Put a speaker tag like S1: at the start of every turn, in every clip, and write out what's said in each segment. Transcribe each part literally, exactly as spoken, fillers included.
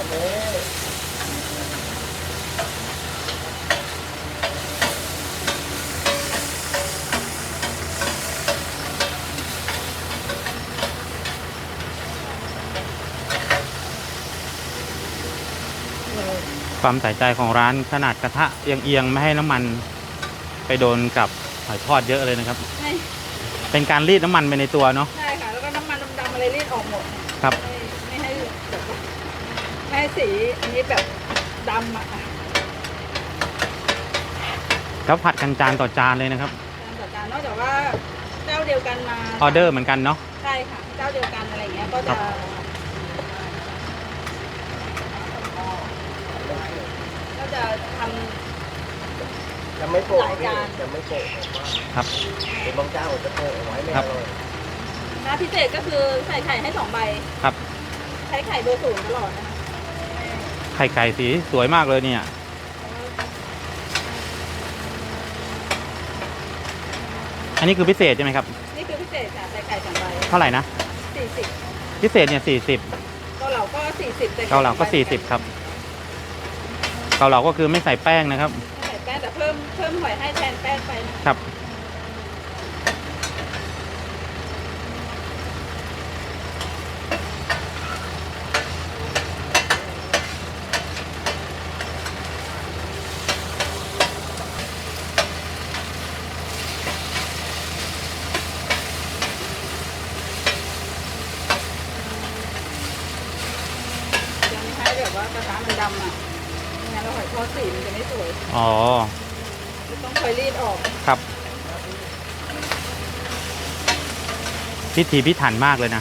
S1: ความใส่ใจของร้านขนาดกระทะเอียงๆไม่ให้น้ำมันไปโดนกับหอยทอดเยอะเลยนะครับเป็นการรีดน้ำมันไปในตัวเนาะ
S2: ใช่ค่ะแล้วก็น้ำมันดำๆอะไรรีดออกหมด
S1: ครับ
S2: ไม่ให้แบบไม่ให้สีอันนี้แบบดำอ่ะ
S1: แล้วผัดกันจานต่อจานเลยนะครับ
S2: จานต่อจานนอกจากว่าเจ้าเดียวกันมา
S1: ออเดอร์เหมือนกันเนาะ
S2: ใช่ค่ะเจ้าเดียวกันอะไรเงี้ยก็จะก็จะทำ
S3: จะไม่โปะจะไม่โปะ
S1: ครับ
S3: เป็นบางเจ้าจะโปะไว้ไม่เลย
S2: น้ำพิเศษก็คือใส่ไข่ให้สองใบ
S1: ครับ
S2: ใช้ไข่เบอร์ศูนย์ตลอดนะ
S1: ไข่ไก่สีสวยมากเลยเนี่ยอันนี้คือพิเศษใช่ไหมครับ
S2: นี่คือพิเศษค่ะใส่ไข่สองใบ
S1: เท่าไหร่นะ
S2: สี่สิบ
S1: พิเศษเนี่ยสี่สิบ
S2: เกาเหลาก็สี่สิบ
S1: เกาเหลาก็สี่สิบครับเกาเหลาก็คือไม่ใส่แป้งนะครับ
S2: ไม่ใส่แป้งแต่เพิ่มเพิ่มหอยให้แทนแป้งไป
S1: ครับ
S2: แบบว่ากระทะมันดำอ่ะงั้นเราหอยทอดสีมันจะไม่สวย
S1: อ๋อ
S2: ต้องคอยรีดออก
S1: ครับพิถีพิถันมากเลยนะ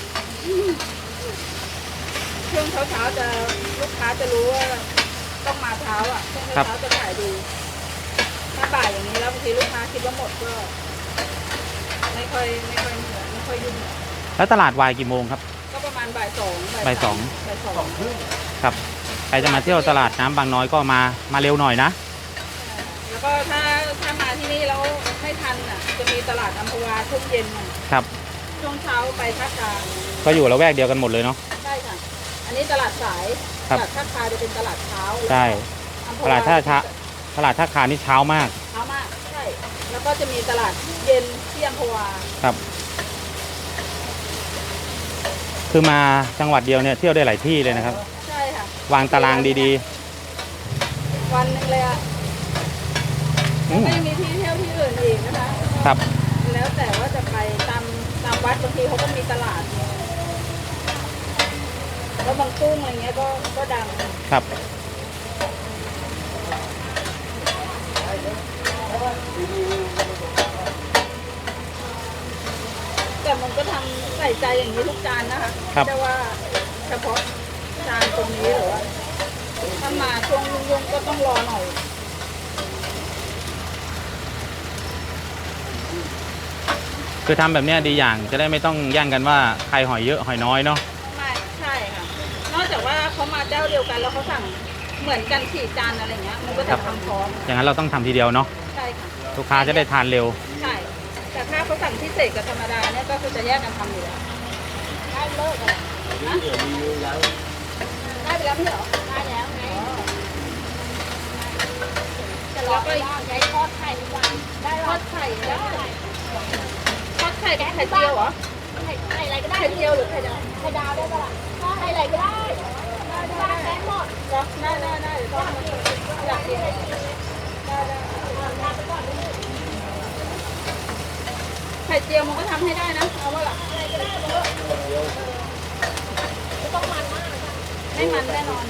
S2: ช่วงเช้าเช้าจะลูกค้าจะรู้ว่าต้องมาเช้าอ่ะช่วงเช้าจะขายดีถ้าบ่ายอย่างนี้แล้วบางทีลูกค้าคิดว่าหมดก็ไม่ค่อยไม่ค่อยเหนื่อยไม่ค่อยยุ่ง
S1: แล้วตลาดวายกี่โมงครับ
S2: ก็ประมาณบ่ายสอง
S1: บ่ายสอง
S2: บ่ายสอง
S1: ครับใครจะมาเที่ยวตลาดน้ำบางน้อยก็มามาเร็วหน่อยนะ
S2: แล้วก็ถ้าถ้ามาที่นี่แล้วไม่ทันอ่ะจะมีตลาดอัมพวาช่วงเย็น
S1: ครับ
S2: ช่วงเช้าไปท่ากลาง
S1: ก็อยู่ละแวกเดียวกันหมดเลยเนาะ
S2: ใช่ค่ะอันนี้ตลาดสายตลาดท่าคาจะเป็นตลาดเช้า
S1: ใช่ตลาดท่าช้าตลาดท่าคานี่เช้ามาก
S2: เช้ามากใช่แล้วก็จะมีตลาดเย็นที่อัมพวา
S1: ครับคือมาจังหวัดเดียวเนี่ยเที่ยวได้หลายที่เลยนะครับ
S2: ใช่ค่ะ
S1: วางตารางดี
S2: ๆวันนึงเลยอ่ะแล้วก็ยังมีที่เที่ยวที่อื่นอีกนะคะ
S1: ครับ
S2: แล้วแต่ว่าจะไปตามตามวัดบางทีเขาก็มีตลาดแล้วบางกุ้งอะไรเงี้ยก็ก็ดัง
S1: ครับ
S2: แต่มันก็ทำใส่ใจอย่างนี้ทุกจานนะคะแต่ว่าเฉพาะจานตรงนี้หรือว่าถ้ามาช่วงยุ่งๆก็ต้องรอหน่อย
S1: คือทำแบบนี้ดีอย่างจะได้ไม่ต้องแย่งกันว่าใครหอยเยอะหอยน้อยเนาะ
S2: ไม่ใช่ค่ะนอกจากว่าเขามาเจ้าเดียวกันแล้วเขาสั่งเหมือนกันสี่จานอะไรเงี้ยมันก็จะทำพร้อม
S1: อย่างนั้นเราต้องทำทีเดียวเนาะ
S2: ใช่ค่ะ
S1: ลูกค้าจะได้ทานเร็ว
S2: ใช่แต่ถ้าเขาสั่งพิเศษกับธรรมดาเนี่ยก็คือจะแยกกันทำอยู่แล้วได้เลิกเลยนะได้ไปแล้วไม่เหรอได้แล้วไงจะรอไปใช้ทอดไข่ทุกวันได้ทอดไข่ได้ทอดไข่กับไข่เจียวเหรอไข่ไข่อะไรก็ได้ไข่เจียวหรือไข่ดาวไข่ดาวได้ปะล่ะไข่อะไรก็ได้ได้ได้หมดได้ได้ได้เดี๋ยวต้องอยากกินได้ได้ไข่เจียวมันก็ทำให้ได้นะเอาว่าล่ะไม่ต้องมันมากไม่มันแน่นอน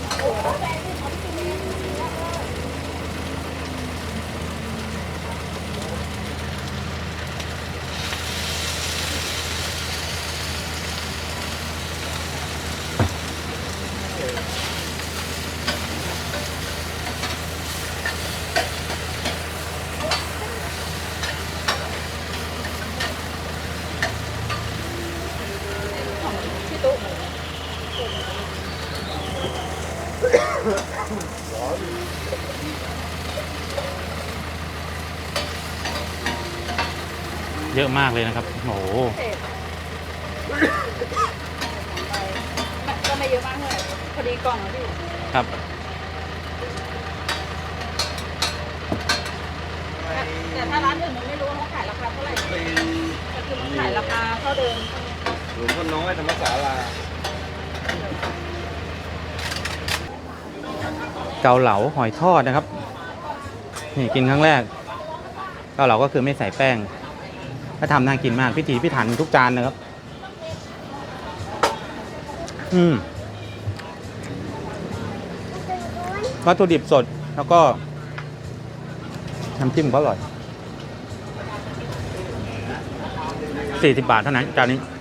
S1: เยอะมากเลยนะครับโอ้โห
S2: ก็ไม่เยอะมากเลยพอดีกล่องนะพี่
S1: ครับ
S2: แต่ถ้าร้านอื่นมันไม่รู้ว่าเขาขายราคาเท่าไหร่แต่คือมันขายราคาเท่าเดิม
S3: หลวงพ่อน้อยธรรมศาลา
S1: เกาเหลาหอยทอดนะครับ นี่กินครั้งแรก เกาเหลาก็คือไม่ใส่แป้งถ้าทำน่ากินมากพิถีพิถันทุกจานนะครับ อืมวัตถุดิบสดแล้วก็น้ำจิ้มก็อร่อยสี่สิบบาทเท่านั้นจานนี้